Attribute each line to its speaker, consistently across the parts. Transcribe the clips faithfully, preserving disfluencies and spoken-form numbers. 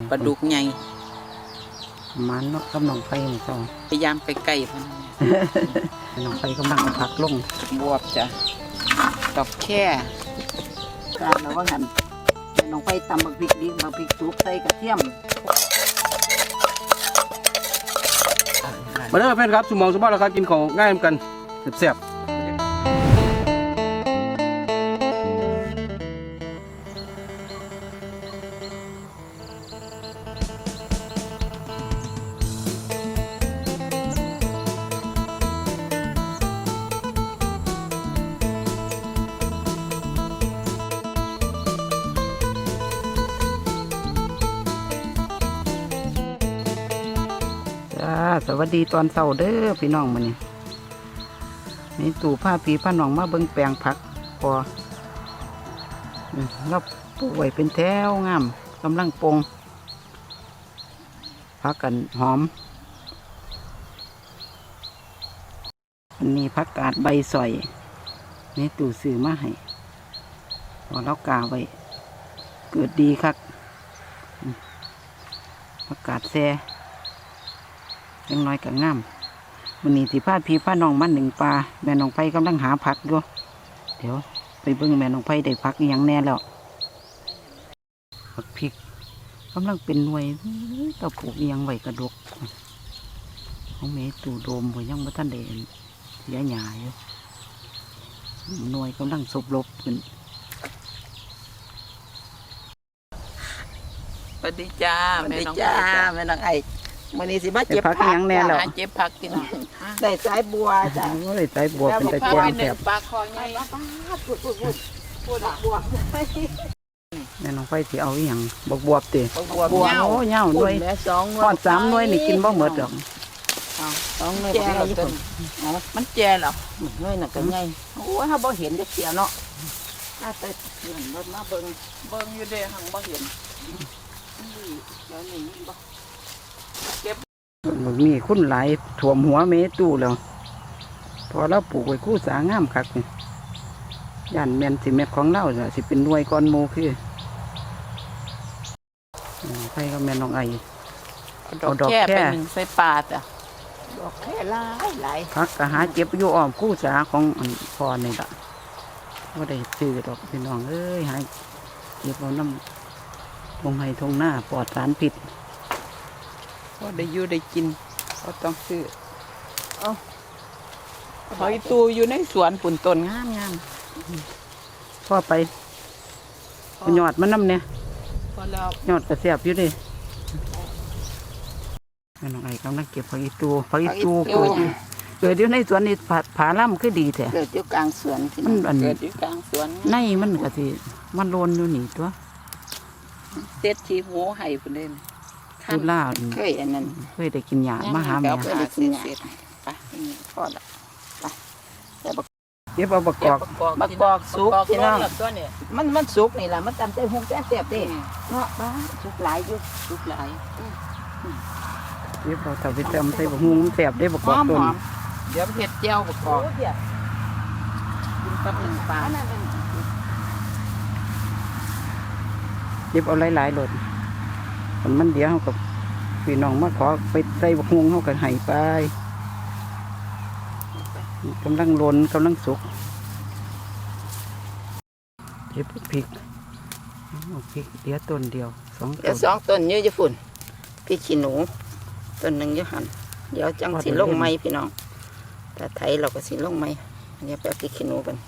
Speaker 1: ปลาดุกใหญ่
Speaker 2: มันเนาะกำลังไฟนี่ก็
Speaker 1: พยายามไปใกล้เพิ่น
Speaker 2: น้องไฟกำลังผักลง
Speaker 1: บวบจ้ะดอกแค่
Speaker 2: การแล้วว่างั้นน้องไฟตำบักพริกดิบักพริกสุกใส่กระเทียม
Speaker 3: มาเด้อเพื่อนครับสมองสมบัติราคากินของง่ายเหมือนกันแซ่บ
Speaker 2: สวัสดีตอนเช้าเด้อพี่น้องมื้อนี้นี่ตู่ผ้าผีผ้าหนองมาเบิ่งแปลงผักพอเราปลูกไว้เป็นแถวงามกำลังปงผักกันหอมอันนี้ผักกาดใบสอยนี่ตู่ซื้อมาให้พอเรากาไว้เกิดดีครับผักกาดแซ่ยังน้อยกับงามวันนี้ที่พาพี่พาน้องมาหนึ่งปลาแม่น้องไผ่กำลังหาผักอยู่เดี๋ยวไปเบิ่งแม่น้องไผ่ได้ผักอย่างแน่แล้วผักพริกกำลังเป็นหน่วยตะปลูกยังไหวกระดกเขาเมตูโดมหัวยังไม่ทันได้เสียหยาอยู่หน่วยกำลังสบลบขึ้น
Speaker 1: สวัสดีจ้าแม่น้อง
Speaker 2: จ้าแม่น้องไอ้วันนี้สิมาเจ็บผักยังแน่แล้ว
Speaker 1: เจ็บผักกิน
Speaker 2: ได้สายบัวจ้ะได้สายบัวเป็นตะแกรงแบบ
Speaker 1: ปลาคอใหญ่
Speaker 2: พูดพูดพูดพูดบัวแม่น้องไฟที่เอาอย่างบวบบวบตี
Speaker 1: บัวบัว
Speaker 2: โอ้เน่าด้วยทอดสามด้วยนี่กินบ่หมดหรอก
Speaker 1: สองด้วยแก่มันแก่หรอ
Speaker 2: ด้วยน่ะก็ไง
Speaker 1: โอ้ยถ้าบ่เห็นจะเสียเนาะถ้าแต่เห็นรถมาเบิ่งเบิ่งอยู่เด้หังบ่เห็นเดี๋ยวนี้บ่เก็บ
Speaker 2: มันมีคุ้นหลายถ่วมหัวเมตู้แล้วพอเราปลูกไว้คู่สางามคักนี่ย่านแมนสิเม็ดของเราจะสิเป็นหน่วยก้อนโมคือใครก็แมนน้องไอ
Speaker 1: เอาดอกแค่เป็นใส่ปลาจ้ะดอกแค่หลายหลาย
Speaker 2: พักกะหาเจ็บอยู่อ้อมคู่สาของพอนี่ละว่าได้ซื้อดอกพี่น้องเอ้ยหายเก็บเอาน้ำทงไห้ทงหน้าปลอดสารพิษ
Speaker 1: ก็ได้อยู่ได้กินก็ต้องซื้อเอาหอยตูอยู่ในสวนปุ่นต้นงามงาม
Speaker 2: พ่อไปหยอดมันน้ำเนี่ยหยอดกระเสียบอยู่ดิแม่น้องไอ้กำลังเก็บผักอีตูผักอีตูเกิดเกิดอยู่ในสวนนี่ผาผาล่ำคือดีแท้
Speaker 1: เกิดอยู่กลางสวน
Speaker 2: มัน
Speaker 1: เกิดอยู่กลางสวน
Speaker 2: ในมันก็สิมันโลนอยู่นี่ตัว
Speaker 1: เต็ดชีหมูไห่ปุ่นเล่น
Speaker 2: ดูล่า
Speaker 1: เคยอันนั้น
Speaker 2: เคยได้กินหยามาหาแม่
Speaker 1: เคยได้กินหยาไปพอละไป
Speaker 2: เก็บเอาบักกอก
Speaker 1: บักกอกสุกพี่น้องมันมันสุกนี่แหละมันตำใจหงแซ่บแซ่บดิเนาะบ้าสุกหลายอยู่สุกหลาย
Speaker 2: เก็บเอาถ้าไปจำใส่บักฮุ้งแซ่บได้บักกอกต้น
Speaker 1: เดี๋ยวเห็ดเจียวบักกอกกินกับหนึ่งปลา
Speaker 2: เก็บเอาหลายๆหลดมันเดี๋ยวเขากับพี่น้องมาขอไปใส่บักฮวงเขากับไห้ไปกำลังล้นกำลังสุกเก็บพริกพริกเดี๋ยวต้นเดียวสอง
Speaker 1: เดี๋ยวสองต้นเยอะจะฝุ่นพริกขี้หนูต้นหนึ่งเยอะหันเดี๋ยวจังสีลงไม้พี่น้องแต่ไทยเราก็สีลงไม้เดี๋ยวไปพริกขี้หนูกัน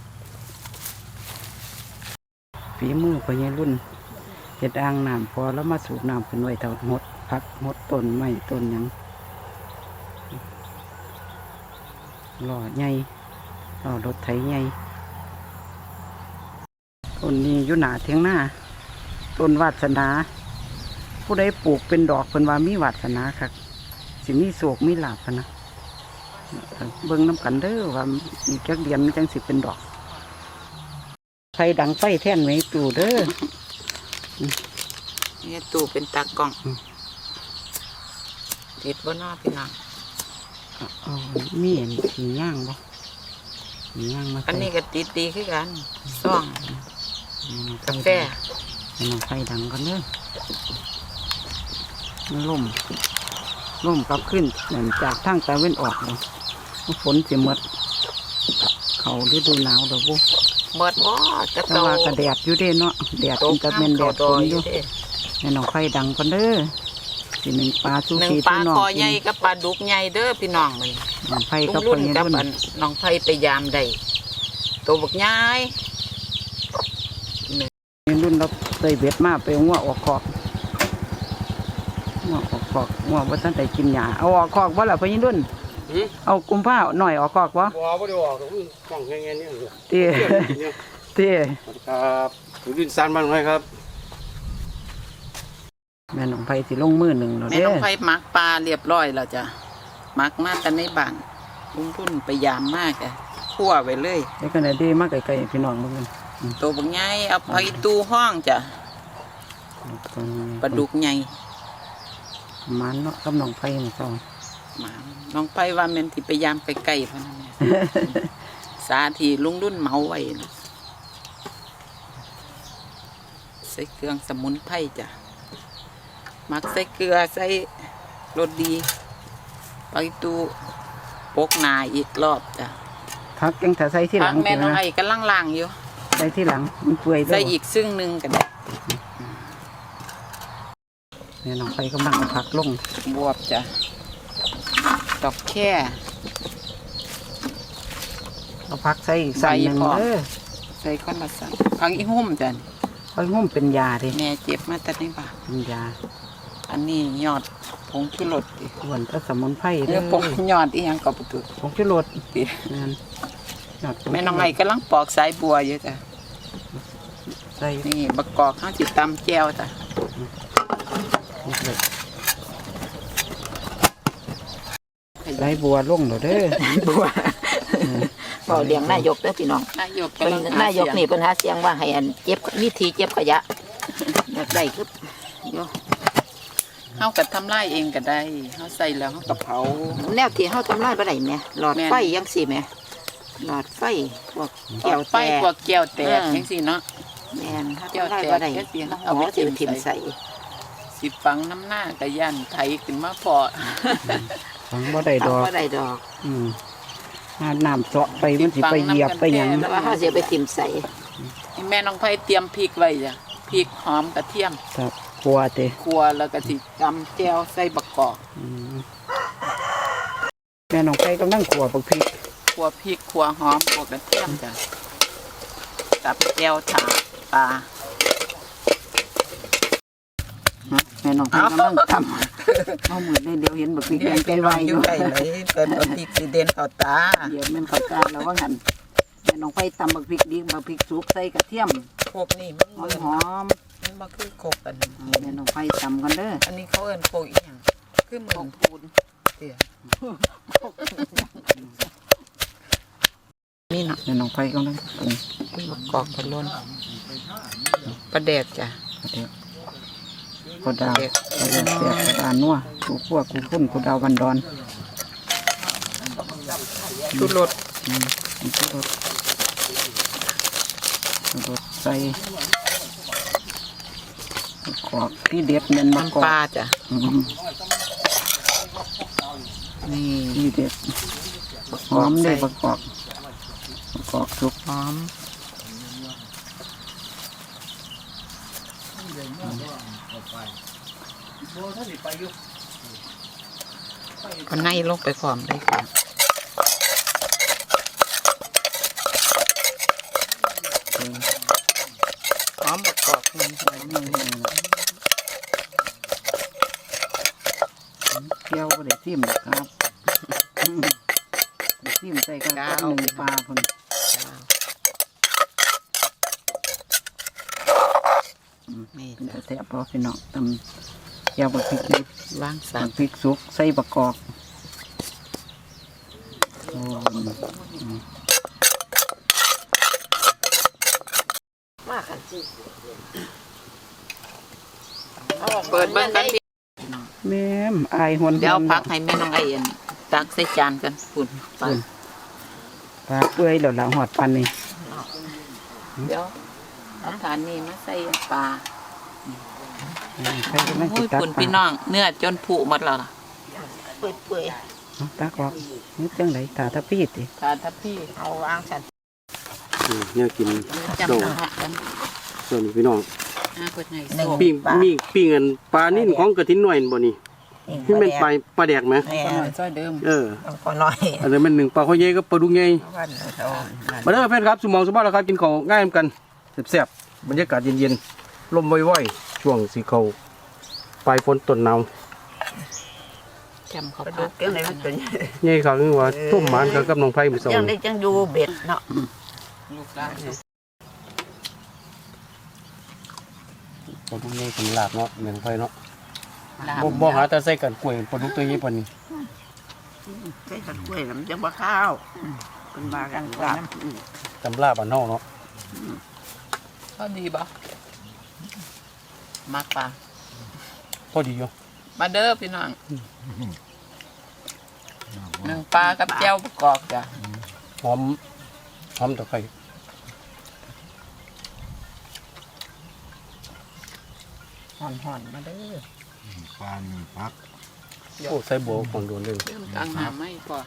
Speaker 2: ฝีมือพญารุ่นเห็ดอ่างน้ำพอแล้วมาสูบน้ำขึ้นไว้เท่าหดพักหดต้นไม้ต้นยังหล่อใหญ่หล่อรถไถใหญ่ต้นนี้อยู่หนาเทียงหน้าต้นวาสนาผู้ใดปลูกเป็นดอกเป็นว่ามีวาสนาครับสิมีโศกมีหลาบนะเบิ้งน้ำกันเด้อว่ามีแก๊กเดียนมันจังสิเป็นดอกไฟดังไฟแท่นไว้ตู่เด้อ
Speaker 1: นี่ตู่เป็นตากล้องติดบนหน้าพี่น้อง
Speaker 2: มีเห็นสีย่างบ่สีย่างมา
Speaker 1: อันนี้ก็ติดดีขึ้นกันซ่องกาแฟ
Speaker 2: ให้น้องไฟดังกันเด้อมันล่มล่มกลับขึ้นเหมือนจากทางตะเว้นออกเลยฝนสิหมดเขาฤดูหนาวเด้อบุ
Speaker 1: เมิดบ่จะ
Speaker 2: แต่ว่ากระแดดอยู่เด้เนาะแดดมันก็เป็นแดดฝนอยู่แม่น้องไฟดังกันเด้อสิหนึ่งปลาซู
Speaker 1: หนึ่ง
Speaker 2: ชี
Speaker 1: ปลา
Speaker 2: พี่น้อง
Speaker 1: คอใหญ่กับปลาดุกใหญ่เด้อพี่น้องมัน
Speaker 2: น้องไฟ
Speaker 1: ลุ
Speaker 2: กับ
Speaker 1: ง
Speaker 2: พ่
Speaker 1: รุ่
Speaker 2: อน ใหญ่
Speaker 1: กับ
Speaker 2: รุ่น
Speaker 1: อันน้องไผ่ไปยามได้ตัวบักใหญ่
Speaker 2: รุ่นเราเตยเบ็ดมาไปงัวออกคอกงัวออกคอกงัวว่าท่านแต่กินหญ้าเอาออกคอกว่าล่ะพ่อใหญ่รุ่นเอากุมผ้าหน่อยออกคอกวะ
Speaker 3: ว้าวไม่ได้ออกกล้องแค่นี้
Speaker 2: เตี้ยเตี้ย
Speaker 3: ครับดินซันบ้านไหมครับ
Speaker 2: แม่น้องไฟสิลงมือหนึ่งเรา
Speaker 1: แม่
Speaker 2: เด้
Speaker 1: น้
Speaker 2: อ
Speaker 1: องไผ่มักปลาเรียบร้อยแล้วจ้ะมักมาแต่ในบ้านลุงรุ่นไปยามมากจ้ะคั่วไว้เลย
Speaker 2: ไอ้ขนาดดีมากไกลๆพี่น้องมึงกัน
Speaker 1: ตัวบักใหญ่เอาไปตู้ห้องจ้ะปลาดุกใหญ่
Speaker 2: มันเนาะกับน้องไฟนี่สอง
Speaker 1: หมาน้องไผ่ว่าแม่นที่ไปยามไปไกลพะนั่นเนี่ย สาธีลุงรุ่นเมาไว้นะใส่เครื่องสมุนไพรจ้ะมักใส่เกลือใส่รสดีไปตู้ปกหนาอีกรอบจ้ะ
Speaker 2: พักยังถ้าใส่ที่ห
Speaker 1: พั
Speaker 2: ลั
Speaker 1: ก
Speaker 2: ง
Speaker 1: แม่น้อง
Speaker 2: นะ
Speaker 1: ไอ้ก็ล่างๆอยู่
Speaker 2: ใส่ที่หลังมันเปื่อย
Speaker 1: ใส่อีกซึ่งหนึ่งก็ได้
Speaker 2: แม่น้องไฟกำลังเอาผักลง
Speaker 1: บวบจ้ะดอกแค่
Speaker 2: เอาผักใส่อีกสั่นหนึ่ง
Speaker 1: ใส่พอ
Speaker 2: เด้อ
Speaker 1: ใส่ก้อนละสันพักอีหุ่มจ้ะ
Speaker 2: ไฟงุ่มเป็นยาดิ
Speaker 1: แม่เจ็บมาแต่ในบ้าน
Speaker 2: เป็นยา
Speaker 1: อันนี้ยอดผงชูรสดิ
Speaker 2: อ้วนก็สมุนไพร
Speaker 1: เอ
Speaker 2: เด้
Speaker 1: อ
Speaker 2: อ
Speaker 1: ผงยอดอีหยังก็ประตู
Speaker 2: ผงชูรส
Speaker 1: ดิ
Speaker 2: นั่นยอดผ
Speaker 1: แม่น้องไอ้กำลังปอกสายบัวอยู่จ้ะ
Speaker 2: ใส่
Speaker 1: นี่บักกอกข้างจิตตำแก้วจ้ะ
Speaker 2: นี่เลยใส่บัวลงเด้อเด้อ
Speaker 1: บัว
Speaker 4: เฝ้าเลี้ยงนายกเด้อพี่น้อง
Speaker 1: นายก
Speaker 4: เป็น
Speaker 1: กำลังห
Speaker 4: นายก
Speaker 1: เสีง
Speaker 4: นี่เป็นหาเสียงว่าให้อันเจ็บวิธีเจ็บขยะอยากได้คือ
Speaker 1: เฮาก็ทำลายเองก็ได้เฮาใส่แล้วเฮาก็เผา
Speaker 4: แนวที่เฮาทำลายบ่ได้แหมหลอด
Speaker 1: แม่น
Speaker 4: ไฟจังซี่แหมหลอดไฟพวก
Speaker 1: เกี่ยวไฟพวกแก้วแตกจังซี่เนาะ
Speaker 4: แม่นเฮา
Speaker 1: แก้ว
Speaker 4: ทำลาย
Speaker 1: แตก
Speaker 4: บ่ได้
Speaker 1: แก้วเสีย
Speaker 4: เอาไว้สิถิ่มใส่
Speaker 1: สิฟังน้ำหน้าก็ยันไถขึ้นมาพอ
Speaker 2: ฟังบ่ได้ด
Speaker 4: เอา
Speaker 2: อก
Speaker 4: บ่ได้ดอก
Speaker 2: อืมหาน้ำเจาะไปมันสิไปเหยียบไปหยัง
Speaker 4: แต่ว่าเฮาสิเอาไปถิ่มใส่
Speaker 1: ให้แม่น้องไผเตรียมพริกไว้จ้ะพริกหอมกระเทียม
Speaker 2: ครับกลัวเตะ
Speaker 1: คั่วแล้วก็สิตำแก้วใส่บักกอก
Speaker 2: อืมแม่น้องไฟกำลังขัวบักพริก
Speaker 1: คั่วพริกคั่วหอมคั่วกระเทียมจ้ะตับแก้วถาปลา
Speaker 2: แม่น้องไฟกำลังทำเอามือได้เดี๋ยวเห็นบักพริกแดงเป็นไวอยู่
Speaker 1: ใกล้เลยเปิดพริกสิเด่นเข้าตา
Speaker 2: เดี๋ยวแม่นเข้าใจแล้วว่าหันแม่น้องไฟตำบักพริกดีบักพริกสุกใส่กระเทียม
Speaker 1: พวกนี้มัน
Speaker 2: หอ
Speaker 1: เบิ่
Speaker 2: ม
Speaker 1: น
Speaker 2: หอม
Speaker 1: มันบ่คือโคกอัน
Speaker 2: ๆแม่น้องไฟตำกันเด้อ
Speaker 1: อันนี้เขาเอิ้นโคกอีหยังคือเหมือนพูนเตี้ยนี่เนาะ
Speaker 2: แม่น้องไฟกำลังปรุง
Speaker 1: บักกอกพะล้นปลาแดกจ้ะ
Speaker 2: เดี๋ยวกดดาวกดดาวเสียบกดดาวนัวกูขั้วกูคุ้นกูดาวบันดอน
Speaker 1: ชูรส
Speaker 2: อืมนี่คือรสรสใส่มะกอกที่เด็ดเน้นมะก
Speaker 1: น้ำ
Speaker 2: อก
Speaker 1: ปลาจ้ะ
Speaker 2: อืม
Speaker 1: นี่
Speaker 2: ที่เด็ดหอมเลยมะกอกมะกอกสุก
Speaker 1: หอมก็ในลงไปพร้อมได้ค่ะหอมบักกอกนี่หอมเลย
Speaker 2: เที่ยวก็ได้ทิมครับอืมได้ทิมใส่กันกับหนึ่งปลาพุ่น
Speaker 1: นี่
Speaker 2: เป็น
Speaker 1: จ้ะ
Speaker 2: แซ่บเพราะพี่น้องตำเที่ยวบักพริกดิบ
Speaker 1: ล้างสา
Speaker 2: บั
Speaker 1: ร
Speaker 2: กพริกสุกใส่บักกอกโอ้อืม
Speaker 4: มากันสิ
Speaker 1: เปิดเบิ้งกันพี่
Speaker 2: แม่มอายหวน
Speaker 1: เดี๋ยวพักให้แม่น้องไอเอ็นตักใส่จานกันฝุ่นไป
Speaker 2: ปลาเปื่อยแล้วล่ะหอดปันนี่
Speaker 1: เดี๋ยวเอาฐานนี้มาใส่ปลา
Speaker 2: ไปกำลัง
Speaker 1: โอ้
Speaker 2: สิ
Speaker 1: ย
Speaker 2: ตัก
Speaker 1: คุณ
Speaker 2: ป
Speaker 1: พี่
Speaker 2: ลา
Speaker 1: น้องเนื้อจนผุหมดแล้วล่ะ
Speaker 4: เปื่อยเปื่อย
Speaker 2: เอาตักออกนี่จังไหนตาตะพีดติ
Speaker 1: ทานทับพี่
Speaker 4: เอาวางสัน
Speaker 3: อืมเนี่ยกิน
Speaker 1: จำ
Speaker 3: โซ่
Speaker 1: นะฮะกัน
Speaker 3: ส่วนนี้พี่น้อง
Speaker 1: อาเปิดไง
Speaker 4: หนึ่ง
Speaker 1: โซ่
Speaker 3: ปิ้งมีปิ้งกันปลานิ่นของกระทินหน่อยบ่นี่ที่เป็นปลาปลาแดกไหม
Speaker 4: แม่
Speaker 1: ก็หน่อยซอยเดิม
Speaker 3: เออ
Speaker 4: ต้องพอน้อย
Speaker 3: อันนั้นมันหนึ่งปลาข้าวเย่กับปลาดุกใหญ่
Speaker 4: วันเขา
Speaker 3: มาเด้อแฟนครับสมองสมบัติแล้วครับกินข้าวง่ายเหมือนกันแซ่บๆบรรยากาศเย็นๆลมว่อยๆช่วงสีเขาปลายฝนต้นหนาว
Speaker 1: จำเขา
Speaker 4: กระ
Speaker 1: พั
Speaker 4: ดู
Speaker 1: ก
Speaker 4: กยังไงมันเป็น
Speaker 3: ใหญ่ครับคือว่าทุ่มหมานกับกับน้องไผ่มือสอง
Speaker 4: ยังได้จังอยู่เบ็ดเนาะ
Speaker 1: ลูกได้
Speaker 3: ปลาดุกใหญ่เป็นลาบเนาะเหมือนไผ่เนาะ
Speaker 1: ลาบ
Speaker 3: บ่บ่หาแต่ใส่กันกล้วยปลาดุกตัวใหญ่ปานนี้
Speaker 4: ใช้ขัดกล้วยแล้วมันจะบ่ข้าวเป็นบากันกลับ
Speaker 3: ตำลาบอันเฮาเนาะ
Speaker 1: ก็ดีบ่มักปลา
Speaker 3: พอดีอยู่
Speaker 1: มาเด้อพี่น้องหนึ่งปลากับแจ่วประกอบจ้ะ
Speaker 3: หอมหอมตะไคร้
Speaker 1: ห่อนๆมาเด้อ
Speaker 5: ปลาหนึ่งพัก
Speaker 3: โอ้ใส่โบของโดนเลย
Speaker 1: เริ่มกลางหาไม่พอ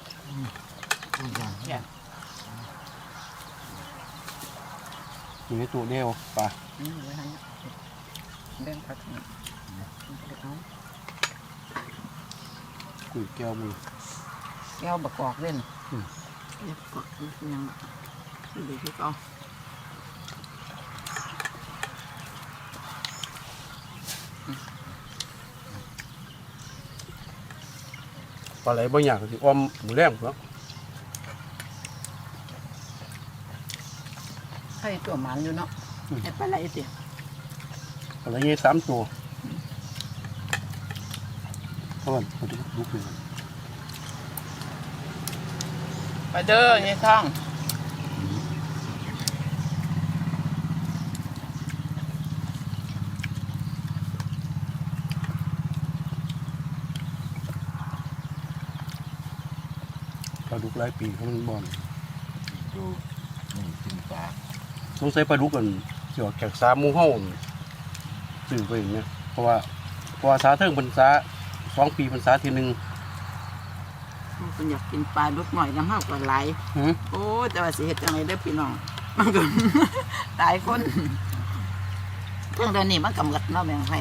Speaker 3: อยู่ในตู้เดียวปลา
Speaker 1: อืมไว้ให้เรื่องพักนี่เอา
Speaker 3: กุ้ยแก้วมือ
Speaker 1: แก้วประกอบเล่น
Speaker 4: ยังดีที่เขา
Speaker 3: ปลาไหลบ่อยากสิอ้อมหมูแรงเนาะ
Speaker 1: ให้ตัวหมันอยู่เนาะ
Speaker 4: ไอ้ปลาไหลสิ
Speaker 3: ปลาไหลใหญ่สามตัวเพราะว่าปลาดุกดุกเลย
Speaker 1: มาเด้อนี่ท่อง
Speaker 3: ปลาดุกหลายปีเขามันบ่อน
Speaker 5: ดูนี่กินปลา
Speaker 3: สงสัยปลาดุกกันเกี่ยวกับสาหมูเฮาซื้อไปอย่างเงี้ยเพราะว่าเพราะว่าสาเทิงพรรษาสองปีพรรษาทีหนึ่ง
Speaker 4: คนอยากกินปลาดุกหน่อยน้ำเฮาก็หลาย
Speaker 3: หือ
Speaker 4: โอ้แต่ว่าสิเฮ็ดจังไดเด้อพี่น้องมันก็ หลายคนเรื่องเดี๋ยวนี้มันกำลังเนาะแม่งให้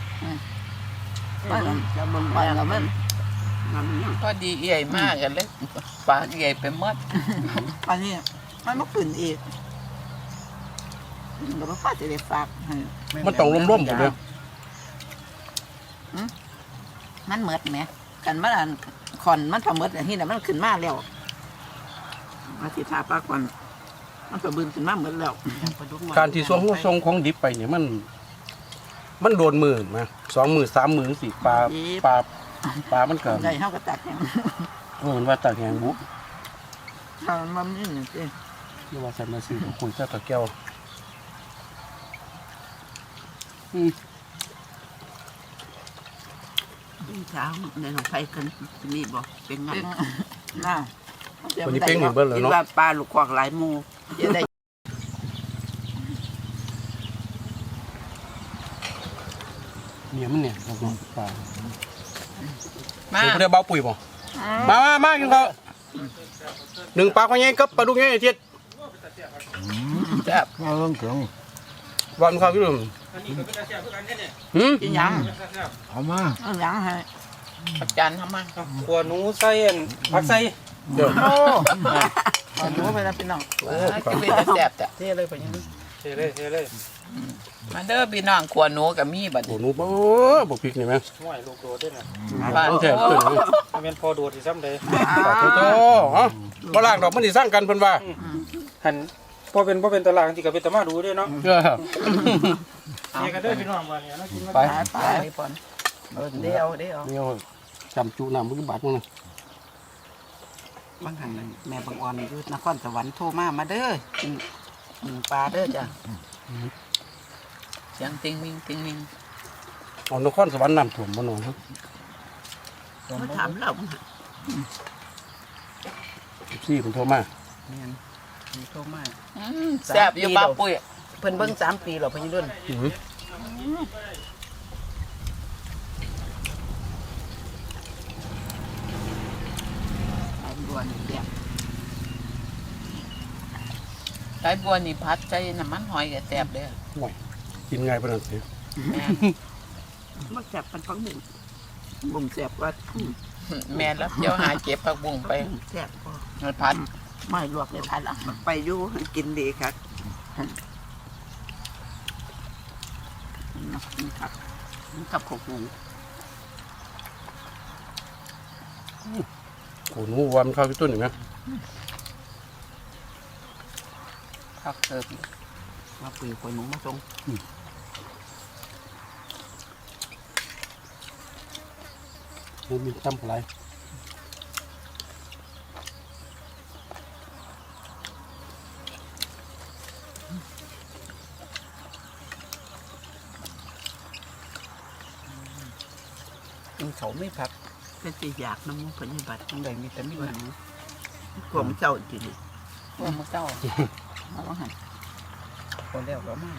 Speaker 4: มันจะบ่งไปแล้วมันมันเนี่ย
Speaker 1: ก็ดีใหญ่มากกันเลยปลาใหญ่ไปหมด
Speaker 4: อันนี้มันบ่ขึ้นอีกมันก็บ่พอสิได้ฝากให้
Speaker 3: มันต้องร่มๆหมดเลย
Speaker 4: มันเหมิดแหมกันมันอันขอนมันพอเหมิดอันนี้น่ะมันขึ้นมาแล้วมาสิทาปลาก่อนมันก็บืนขึ้นมาเหมิดแล้ว
Speaker 3: การที่ส่งส่งของดิบไปเนี่ยมัน มันโดนมือมาสองมือสามมือสี่ปลาปลาปลามันเกิด
Speaker 4: ได้เฮาก็ตักแห้ง
Speaker 3: เออมันว่าตากแหงบุ
Speaker 4: ถ้ามันนี่นี่สิ
Speaker 3: เรียกว่าสันมาซื้อคุยเจ้าตะแก้วอืม
Speaker 4: เช้าในหนองไผ่กันมีบ่เป็นงั้นน่า
Speaker 3: วันนี้เป้งหนึ่งเบิ้ลเลยเนาะ
Speaker 4: คิดว่าปลาลูกควักหลายหมู่จะได้
Speaker 3: เนี่ยมันเนี่ยเราบอกปลา
Speaker 1: มา
Speaker 3: เดี๋ยวเดี๋ยวเบาปุ๋ยบ่มามามากินข้าวหนึ่งปลาข้าวใหญ่กับปลาดุกใหญ่เทียด
Speaker 1: แซ่บ
Speaker 5: เอาเรื่องถึง
Speaker 3: วันข้าวกี่ดื่มหืม
Speaker 4: กินหยัง
Speaker 5: เอามา
Speaker 4: เอาหยังให้
Speaker 1: ประจานทำมา
Speaker 3: ขัวหนูใส่ผักใส่เดี๋ยว
Speaker 4: โอ้ขอดูไปแล้วพี่น้อง
Speaker 1: โอ้จะเป็นแซ่บจ้ะ
Speaker 4: เท่เลยไปยัง
Speaker 3: เทเลยเทเลย
Speaker 1: มาเด้อพี่น้องขวหนูกับมีบัด
Speaker 3: โอ้
Speaker 1: นี้
Speaker 3: หนูบ่บ่พริกนี่ไหม
Speaker 6: ห่วยลูกโดดด้วยนะ
Speaker 1: ปลา
Speaker 3: ต้องแทน
Speaker 1: โอ้
Speaker 3: เพิ่น
Speaker 6: มันเป็นพอโดดที่ซ้ำเลย
Speaker 3: ปลาโตโตฮะบ่ล่างดอกมันสิสร้างกันเพิ่นว่า
Speaker 6: หันพอเป็นพอเป็นตลาดที่กับเป็นตะมาดูด้วยเนาะ
Speaker 3: เออ
Speaker 6: เนี่ยกันเด้อพี่น้องวันนี้เรากินมา
Speaker 3: ไป
Speaker 4: ไปไปปอนเออเดี๋ยวเดี๋ยว
Speaker 3: เดี๋ยวจำจุน้ำมือบาทมั้งนะ
Speaker 4: บางหันแม่บางอ่อนอยู่นครสวรรค์โทรมามาเด้อกินกินปลาเด้อจ้ะ
Speaker 1: เสียงติงมิงติงมิง
Speaker 3: เอานครสวรรค์น้ำท่วมบ่หนอนครับ
Speaker 4: มาถามเรา
Speaker 3: ซี่เพิ่นโทรมา
Speaker 4: แม่นมีโทรมา
Speaker 1: อืมแซ่บอยู่ป้าปุ้ย
Speaker 4: เพิ่นเบิ่งสามปีแล้วเพิ่นรุ่น
Speaker 3: อือ
Speaker 1: ไก่บัวนี่พัดใจน้ำมันหอยก็แซ่บเด้อ
Speaker 3: ห่วยกินง่ายปานนั้นสิ
Speaker 1: แม่
Speaker 4: มันแซ่บปันฟังหนึ่งบ่งแซ่บว่าอืม
Speaker 1: แม่แล้วเดี๋ยวหาเก็บผักบุ้งไป
Speaker 4: แซ่บพอ
Speaker 1: มันพัด
Speaker 4: ไม่ลวกเลยพันละ
Speaker 2: ไปอยู่กินดีครับ
Speaker 4: นี่ครับกับข้าวหุง
Speaker 3: โอ้หนูว่ามันเข้าที่ต้นอยู่ไหม
Speaker 1: พักเติบ
Speaker 4: มาปีกวยหนูมาส่ง
Speaker 3: มันมีจำอะไร
Speaker 2: กินเขาไม่พัก
Speaker 4: เป็นตีอยากน้ำมันผลบัตร
Speaker 2: ทั้งใดมีแต่มีหนัง
Speaker 4: กลมเจ้าจริง
Speaker 1: พวกมันเจ้า
Speaker 4: เอาหัน
Speaker 2: พอแล้วก็มา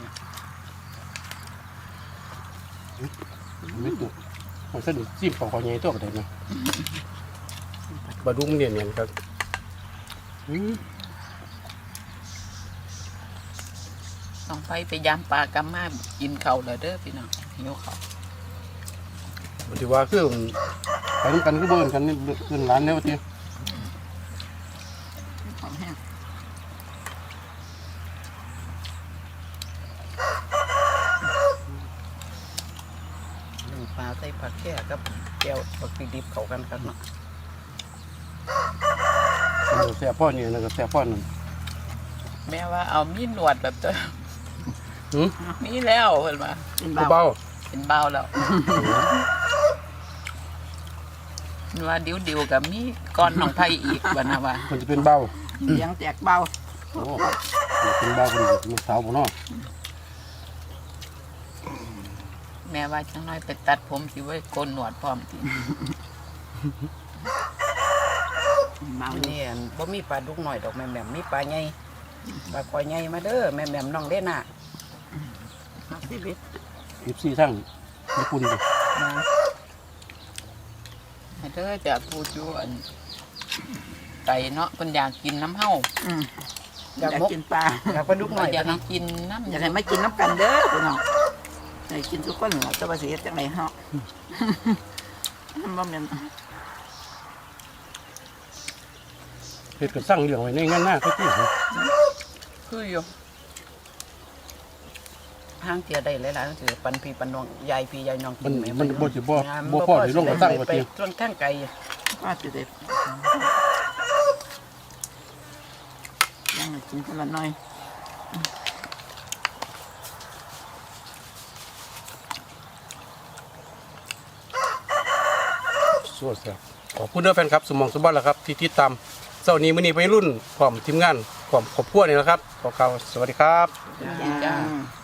Speaker 3: ไม่ตัวมันสะดุดจิ้มปอกคอใหญ่ตัวก็ได้นะบะดุ้งเนียนๆครับอืม
Speaker 1: ต้องไปไปยามปลากำมากินข้าวเลยเด้อพี่น้องหิวข้าว
Speaker 3: ปฏิว่าคือไปด้วยกันก็เบิ่นกันนี่ขึ้นร้านแล้วที
Speaker 4: ของแห้ง
Speaker 2: หนึ่งปลาใส่ผักแค่กับแก้วผักดิบๆเข้ากันครับเนาะ
Speaker 3: มันแซ่บพ่อนี่นะก็แซ่บพ่อนั่น
Speaker 1: แม่ว่าเอามีหนวดแบบเจ้า
Speaker 3: หืม
Speaker 1: มีแล้วเพิ่นว่า
Speaker 4: เป็นเบา
Speaker 3: เบา
Speaker 1: เป็นเบาแล้วมันว่าดิวดิวๆกับมีก้อนหนองไผ่อีกบัดนะว่า
Speaker 3: ๆมันจะเป็นเบา
Speaker 4: เสียงแตกเบา
Speaker 3: โอ้มันเป็นเบาคนมันสาวบ่เนาะ
Speaker 1: แม่ว่าจังน้อยไปตัดผมสิไว้โกนหนวดพร้อมที
Speaker 4: เบา
Speaker 2: มื้อ
Speaker 4: เนี่
Speaker 2: นี้
Speaker 4: ย
Speaker 2: อั่นบ่มีปลาดุกหน่อยดอกแม่แหม่มมีปลาใหญ่ปลาคอยใหญ่มาเด้อแม่แหม่มน้องเด้น่ะ
Speaker 4: มาสิเบ็ด
Speaker 3: ยี่สิบสี่ทั้งญี่ปุ่นดิ
Speaker 2: นะ
Speaker 1: ให้เธอจะพูดอยู่อันไก่เนาะเพิ่นอยากกินน้ำเฮา
Speaker 4: อืมอ
Speaker 2: อยาก ก
Speaker 4: ยากินปลา
Speaker 2: อยากปลาดุกหน่อย
Speaker 1: อยากให้
Speaker 2: เนาะ
Speaker 1: กินน้ำ
Speaker 4: อยากให้มากินน้ำกันเด้อพี่น้องให้กินทุกคนเหรอจะมาเสียจังไรเฮาบ่แม่น
Speaker 3: เฮ็ดก็สั่งเลี้ยงไว้ในงานหน้าเขาที่
Speaker 1: คืออยู่
Speaker 2: ทางเที่ยได้หลายๆจังซี่ปันพี่ปันน้องยายพี่ยายน้องกิ
Speaker 3: มัน
Speaker 2: นแห
Speaker 3: มันบ่สิบ่
Speaker 2: งาม
Speaker 3: บ่พอสิลงกระตั้งว่า
Speaker 2: ไป
Speaker 3: ติ
Speaker 2: ส่วนข้างไกล
Speaker 4: ว่าสิเด็ดยังให้กินคนละหน่อย
Speaker 3: สวัสดีครับขอบคุณเด้อแฟนครับสมองสมบัติแล้วครับที่ติดตามเช้านี้มื้อนี้ไปรุ่นพร้อมทีมงานพร้อมครอบครัวนี่แหละครับขอกล่าวสวัสดีครับ
Speaker 1: จ้า
Speaker 4: จ้า